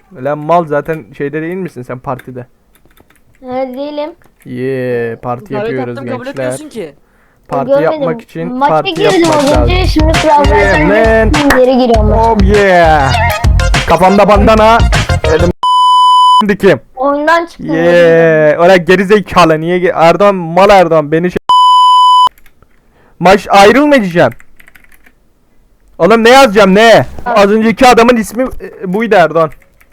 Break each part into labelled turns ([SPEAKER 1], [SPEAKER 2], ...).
[SPEAKER 1] Lan mal zaten şeyde değil misin sen partide?
[SPEAKER 2] Evet değilim.
[SPEAKER 1] Parti
[SPEAKER 3] Davet
[SPEAKER 1] yapıyoruz
[SPEAKER 3] attım kabul
[SPEAKER 1] gençler.
[SPEAKER 3] etmiyorsun ki.
[SPEAKER 1] Parti
[SPEAKER 2] Görmedim.
[SPEAKER 1] yapmak için
[SPEAKER 2] Maça
[SPEAKER 1] parti
[SPEAKER 2] girdim
[SPEAKER 1] yapmak
[SPEAKER 2] az
[SPEAKER 1] lazım.
[SPEAKER 2] önce. Şimdi birazdan
[SPEAKER 1] Yeah,
[SPEAKER 2] sen geri giriyorum.
[SPEAKER 1] Oh yeah. Kafamda bandana. Elim dikim.
[SPEAKER 2] Oyundan çıktım.
[SPEAKER 1] Oraya geri zekalı niye Erdoğan mal Erdoğan beni Maç ayrılmayacağım. Oğlum ne yazacağım ne? Az önceki adamın ismi buydu Erdoğan.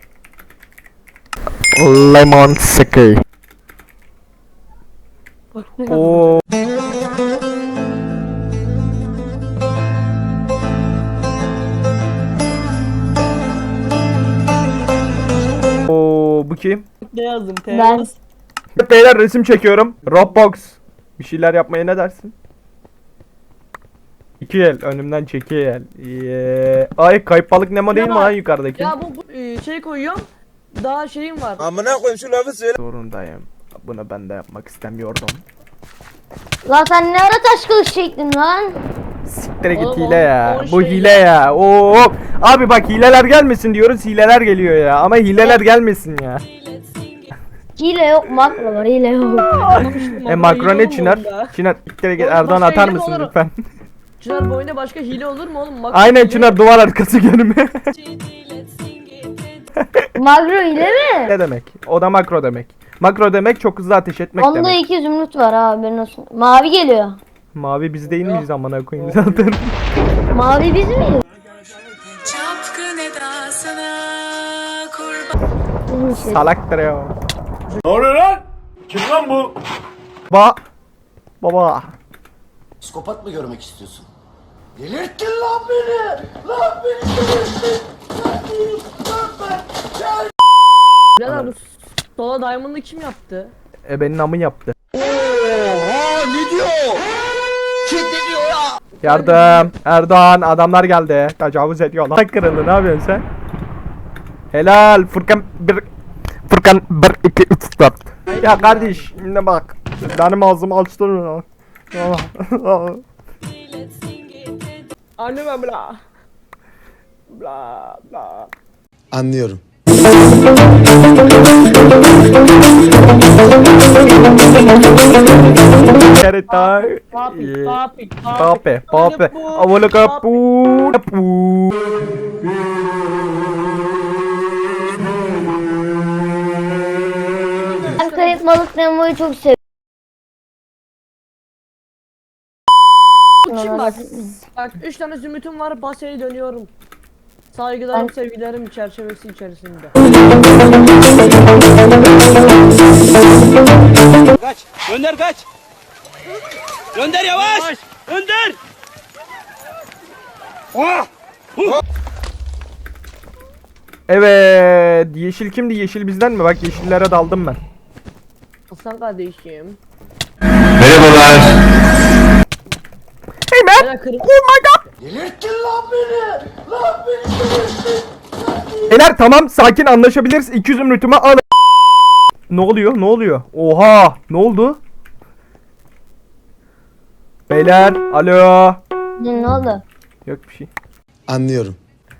[SPEAKER 1] Lemon Seki. Oo. Oo, bu kim?
[SPEAKER 3] Ne yazdım?
[SPEAKER 2] Ben.
[SPEAKER 1] Beyler resim çekiyorum. Roblox. Bir şeyler yapmaya ne dersin? İki el önümden çekiyor el. Ay kayıp balık Nemo değil mi lan yukarıdaki?
[SPEAKER 3] Ya bu şey koyuyorum. Daha şeyim var.
[SPEAKER 4] Amına koyayım şu lafı söyle.
[SPEAKER 1] Zorundayım. Bunu ben de yapmak istemiyordum.
[SPEAKER 2] Lan sen ne ara taş kılıç çektin lan?
[SPEAKER 1] Siktir git
[SPEAKER 3] Oğlum,
[SPEAKER 1] hile ya.
[SPEAKER 3] o
[SPEAKER 1] Bu
[SPEAKER 3] şey
[SPEAKER 1] hile ya. Oo. Abi bak hileler gelmesin diyoruz. Hileler geliyor ya. Ama hileler gelmesin ya.
[SPEAKER 2] Hile yok, makro var, hile yok.
[SPEAKER 1] Makro ne Çınar? Çınar siktir git.
[SPEAKER 3] Oğlum,
[SPEAKER 1] Erdoğan
[SPEAKER 3] başka
[SPEAKER 1] atar
[SPEAKER 3] hile mi
[SPEAKER 1] mısın
[SPEAKER 3] olur?
[SPEAKER 1] lütfen?
[SPEAKER 3] Çınar bu oyunda başka hile olur mu oğlum?
[SPEAKER 1] Aynen Çınar duvar arkası görünme.
[SPEAKER 2] Makro hile mi?
[SPEAKER 1] Ne demek? O da makro demek. Makro demek çok hızlı ateş etmek
[SPEAKER 2] Onda
[SPEAKER 1] demek.
[SPEAKER 2] 2 zümrüt var abi, benim olsun. Mavi geliyor.
[SPEAKER 1] Mavi biz değil miyiz amına koyayım zaten.
[SPEAKER 2] Mavi biz miyiz?
[SPEAKER 5] Çapkın edasına kurban.
[SPEAKER 1] Salaktır ya.
[SPEAKER 4] Ne oluyor lan? Kim lan bu?
[SPEAKER 1] Baba.
[SPEAKER 6] Psikopat mı görmek istiyorsun? Delirttin lan beni! Lan beni delirttin!
[SPEAKER 3] Birader bu sola diamond'ı kim yaptı?
[SPEAKER 1] Benim amı yaptı.
[SPEAKER 4] Oha ne diyor? Kim ne diyor ya?
[SPEAKER 1] Yardım. Erdoğan adamlar geldi. Tecavüz ediyorlar. Kırıldı ne yapıyorsun sen? Helal. Furkan 1 2 3 4. Ya kardeş ne bak. Benim ağzımı açtırma.
[SPEAKER 3] Anne ben bla. Bla bla.
[SPEAKER 6] Anlıyorum.
[SPEAKER 1] Kereta.
[SPEAKER 3] Papi papi
[SPEAKER 1] Pape. Avolo kapu. Kapu.
[SPEAKER 2] Ben kayıp balık Nemo'yu çok seviyorum.
[SPEAKER 3] Şimdi bak 3 tane zümrütüm var, basaya dönüyorum. Saygılarım, sevgilerim çerçevesi içerisinde.
[SPEAKER 4] Kaç. Gönder kaç. Gönder yavaş. Gönder. Oh.
[SPEAKER 1] Evet. Yeşil kimdi? Yeşil bizden mi? Bak yeşillere daldım ben.
[SPEAKER 3] Aslan kardeşim.
[SPEAKER 1] Hey man.
[SPEAKER 3] Bana
[SPEAKER 1] Oh my god.
[SPEAKER 6] Delirttin lan beni! Lan beni delirttin!
[SPEAKER 1] Beyler tamam sakin anlaşabiliriz. 200 zümrütümü al. Ne oluyor? Ne oluyor? Oha! Ne oldu? Beyler, alo.
[SPEAKER 2] Ne oldu?
[SPEAKER 1] Yok bir şey.
[SPEAKER 6] Anlıyorum.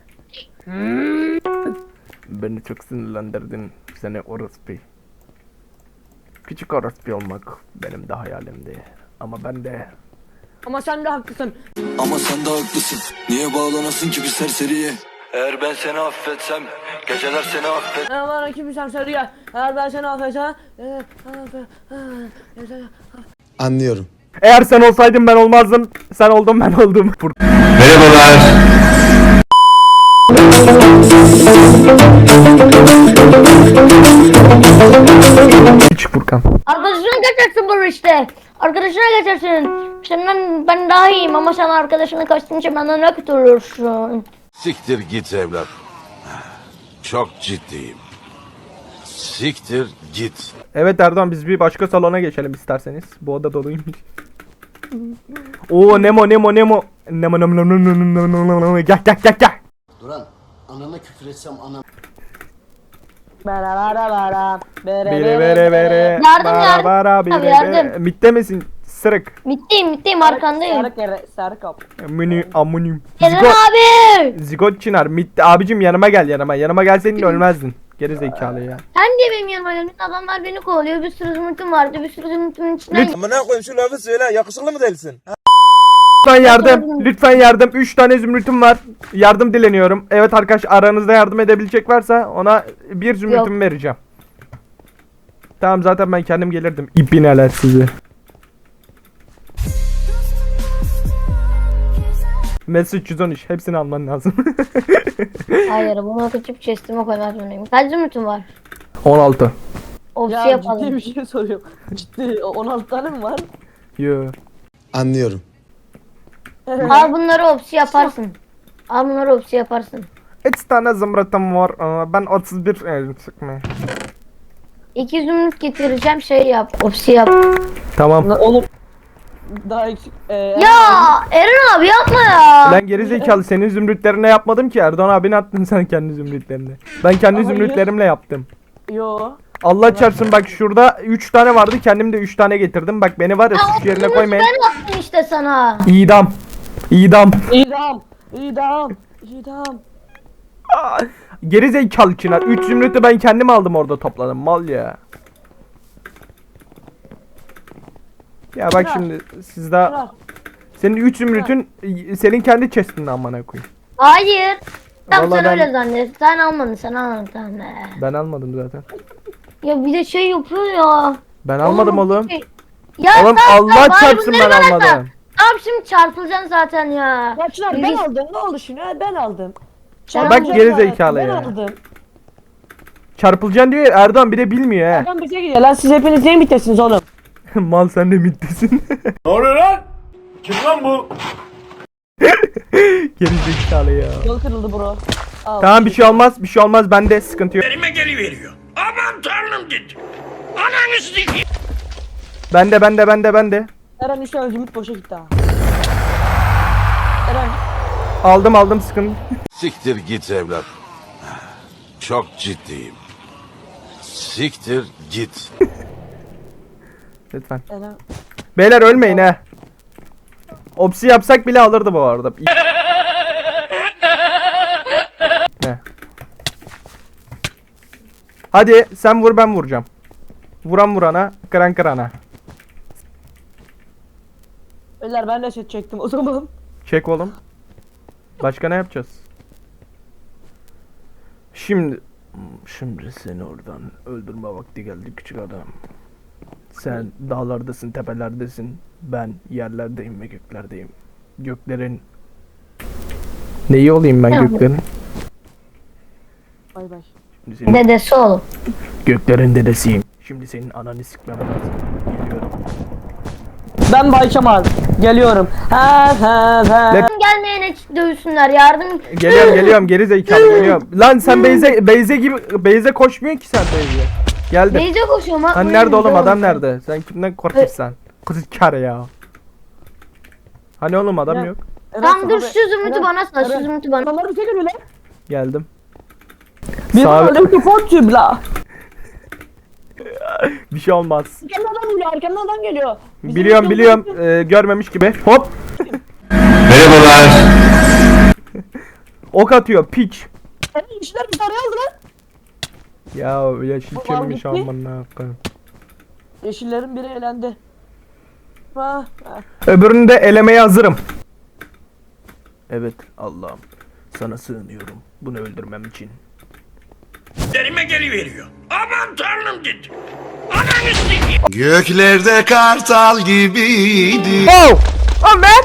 [SPEAKER 1] Beni çok sinirlendirdin. Seni orospu. Küçük orospu olmak benim de hayalimdi. Ama ben de
[SPEAKER 3] ama sen de haklısın.
[SPEAKER 7] Ama sen de haklısın. Niye bağlanasın ki bir serseriye? Eğer ben seni affetsem, geceler seni affet.
[SPEAKER 3] Bana kim sen söylüyor? Eğer ben seni affetsem.
[SPEAKER 6] Anlıyorum.
[SPEAKER 1] eğer sen olsaydın ben olmazdım. Sen oldun ben oldum. Hiç Furkan.
[SPEAKER 2] Arkadaşına kaçarsın bu işte. Arkadaşına kaçarsın. Senden ben daha iyiyim ama sen arkadaşına kaçtığın için benden ne kurtulursun?
[SPEAKER 8] Siktir git evlat. Çok ciddiyim. Siktir git.
[SPEAKER 1] Evet Erdoğan biz bir başka salona geçelim isterseniz. Bu oda doluymuş. Oo Nemo. Nemo. Gel.
[SPEAKER 6] Duran, anana küfür etsem anam...
[SPEAKER 1] Bere.
[SPEAKER 2] Yardım. Abi yardım.
[SPEAKER 1] Mitte misin? Sırık.
[SPEAKER 2] Mitteyim arkandayım.
[SPEAKER 3] Sarı kap.
[SPEAKER 1] Amunim.
[SPEAKER 2] Gelen abi.
[SPEAKER 1] Zigot Çınar. Mitte. Abicim yanıma gel yanıma. Yanıma gelseydin ölmezdin. Geri zekalı ya.
[SPEAKER 2] Sen de benim yanıma geldin. Adamlar beni kovalıyor. Bir sürü zümrütüm vardı. Bir sürü zümrütümün içinden
[SPEAKER 9] Amına koyayım şu lafı söyle. Yakışıklı mı değilsin?
[SPEAKER 1] Lütfen yardım. Lütfen yardım. 3 tane zümrütüm var. Yardım dileniyorum. Evet arkadaş, aranızda yardım edebilecek varsa ona bir zümrütümü vereceğim. Tamam, zaten ben kendim gelirdim. İbneler sizi. Mesut 313 hepsini alman lazım.
[SPEAKER 2] Hayır, bunu kaçıp chestime koymaz zorundayım. Kaç zümrütüm var?
[SPEAKER 1] 16.
[SPEAKER 2] Opsi
[SPEAKER 3] Ya
[SPEAKER 2] yapalım.
[SPEAKER 3] ciddi bir şey soruyorum. Ciddi 16 tane mi var?
[SPEAKER 1] Yo.
[SPEAKER 4] Anlıyorum.
[SPEAKER 2] Al bunları opsi yaparsın. Al bunları opsi yaparsın.
[SPEAKER 1] 3 tane zümrütüm var. Ben 31 çıkmaya.
[SPEAKER 2] 2 zümrüt getireceğim, şey yap. Opsi yap.
[SPEAKER 1] Tamam.
[SPEAKER 3] Lan oğlum daha eksik.
[SPEAKER 2] Ya Eren abi yapma ya.
[SPEAKER 1] Lan geri zekalı, senin zümrütlerine yapmadım ki. Erdoğan abine attın sen kendi zümrütlerini. Ben kendi
[SPEAKER 3] Ama
[SPEAKER 1] zümrütlerimle yaptım.
[SPEAKER 3] Yo.
[SPEAKER 1] Allah çarpsın, bak şurada 3 tane vardı, kendim de 3 tane getirdim. Bak beni var ya, suç yerine
[SPEAKER 2] Zümrütü
[SPEAKER 1] koymayın.
[SPEAKER 2] ben attım işte sana.
[SPEAKER 1] İdam. İdam.
[SPEAKER 3] İdam. İdam. İdam.
[SPEAKER 1] Geri zekalı Çınar. 3 zümrütü ben kendim aldım, orada topladım. Mal ya. Ya bak
[SPEAKER 3] Çınar.
[SPEAKER 1] şimdi siz daha...
[SPEAKER 3] Çınar.
[SPEAKER 1] Senin 3 zümrütün senin kendi chest'inde amına koyayım.
[SPEAKER 2] Hayır. Tamam,
[SPEAKER 1] Vallahi
[SPEAKER 2] sen
[SPEAKER 1] ben-
[SPEAKER 2] öyle zannet. Sen almadın, sen almadın. Tamam.
[SPEAKER 1] Ben almadım zaten.
[SPEAKER 2] Ya bir de şey yapıyor ya.
[SPEAKER 1] Ben almadım oğlum.
[SPEAKER 2] Ya
[SPEAKER 1] Oğlum
[SPEAKER 2] sen-
[SPEAKER 1] Allah
[SPEAKER 2] bari
[SPEAKER 1] çarpsın,
[SPEAKER 2] bunları
[SPEAKER 1] ben
[SPEAKER 2] bana
[SPEAKER 1] almadım.
[SPEAKER 2] sat. Tamam, şimdi çarpılacaksın zaten ya.
[SPEAKER 3] Ya Çınar ben
[SPEAKER 2] Biz-
[SPEAKER 3] aldım. Ne oldu şimdi? Ha, ben aldım.
[SPEAKER 2] Sen
[SPEAKER 1] Bak
[SPEAKER 2] aldın.
[SPEAKER 1] geri zekalı
[SPEAKER 3] Ben
[SPEAKER 1] ya.
[SPEAKER 3] aldım.
[SPEAKER 1] Çarpılacaksın diyor ya, Erdoğan bir de bilmiyor he.
[SPEAKER 3] Adam bize gidiyor lan, siz hepiniz neyin bitesiniz oğlum?
[SPEAKER 1] Mal, sen de mittesin.
[SPEAKER 9] Ne oluyor lan? Kim lan bu?
[SPEAKER 1] Geri zekalı ya.
[SPEAKER 3] Yol kırıldı bro. Al.
[SPEAKER 1] Tamam, bir şey olmaz, bir şey olmaz, bende sıkıntı yok.
[SPEAKER 9] Elime geliveriyor. Aman tanrım dedi. Ananı sikeyim.
[SPEAKER 1] Bende.
[SPEAKER 3] Eren 3 tane zümrüt boşa gitti ha. Eren.
[SPEAKER 1] Aldım sıkıntı.
[SPEAKER 8] Siktir git evlat. Çok ciddiyim. Siktir git.
[SPEAKER 1] Lütfen.
[SPEAKER 3] Eren.
[SPEAKER 1] Beyler ölmeyin he. Opsi yapsak bile alırdı bu arada. Ne? Hadi sen vur, ben vuracağım. Vuran vurana, kıran kırana.
[SPEAKER 3] Beyler ben de set çektim o zaman.
[SPEAKER 1] Çek oğlum. Başka ne yapacağız? Şimdi seni oradan öldürme vakti geldi küçük adam. Sen dağlardasın, tepelerdesin. Ben yerlerdeyim ve göklerdeyim. Göklerin... Neyi olayım ben göklerin?
[SPEAKER 3] Bay bay.
[SPEAKER 1] Şimdi senin
[SPEAKER 2] Dedesi oğlum.
[SPEAKER 1] göklerin dedesiyim. Şimdi senin ananı sikmem lazım. Geliyorum.
[SPEAKER 3] Ben Bay Kemal. Geliyorum. Ha.
[SPEAKER 2] Gelmeyene dövsünler, yardım.
[SPEAKER 1] Geliyorum geri zekalı geliyorum. Lan sen Beyze gibi Beyze koşmuyor ki sen Beyze. Geldim.
[SPEAKER 2] Neyse koşuyorum ha.
[SPEAKER 1] Hani nerede oğlum, adam nerede? Sen kimden korkuyorsun? Kız kar ya. Hani oğlum adam
[SPEAKER 3] Ya.
[SPEAKER 1] yok.
[SPEAKER 2] Tamam dur, şu zümrütü bana sat, şu zümrütü bana.
[SPEAKER 3] Adamlar bize geliyor lan.
[SPEAKER 1] Geldim.
[SPEAKER 3] Bir
[SPEAKER 1] Sağ-
[SPEAKER 3] aldım ki fortune la.
[SPEAKER 1] Bir şey olmaz.
[SPEAKER 3] Arkamdan adam geliyor, arkamdan adam geliyor. Bizim
[SPEAKER 1] Biliyorum. Görmemiş gibi. Hop.
[SPEAKER 8] Merhabalar.
[SPEAKER 1] Ok atıyor piç.
[SPEAKER 3] İşler bir tane aldı lan.
[SPEAKER 1] Ya yeşil
[SPEAKER 3] Var
[SPEAKER 1] çevirmiş
[SPEAKER 3] gitti.
[SPEAKER 1] aman ne yapayım.
[SPEAKER 3] Yeşillerin biri elendi. Ha.
[SPEAKER 1] Öbürünü de elemeye hazırım. Evet Allah'ım, sana sığınıyorum bunu öldürmem için.
[SPEAKER 9] Elime geliveriyor. Aman tanrım dedi. Ananı sikeyim.
[SPEAKER 4] Göklerde kartal gibiydi.
[SPEAKER 1] Oh! Oh man!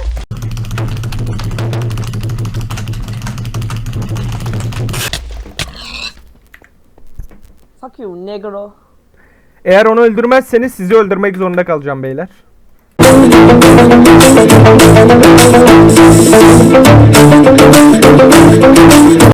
[SPEAKER 3] Fuck you negro.
[SPEAKER 1] Eğer onu öldürmezseniz sizi öldürmek zorunda kalacağım beyler.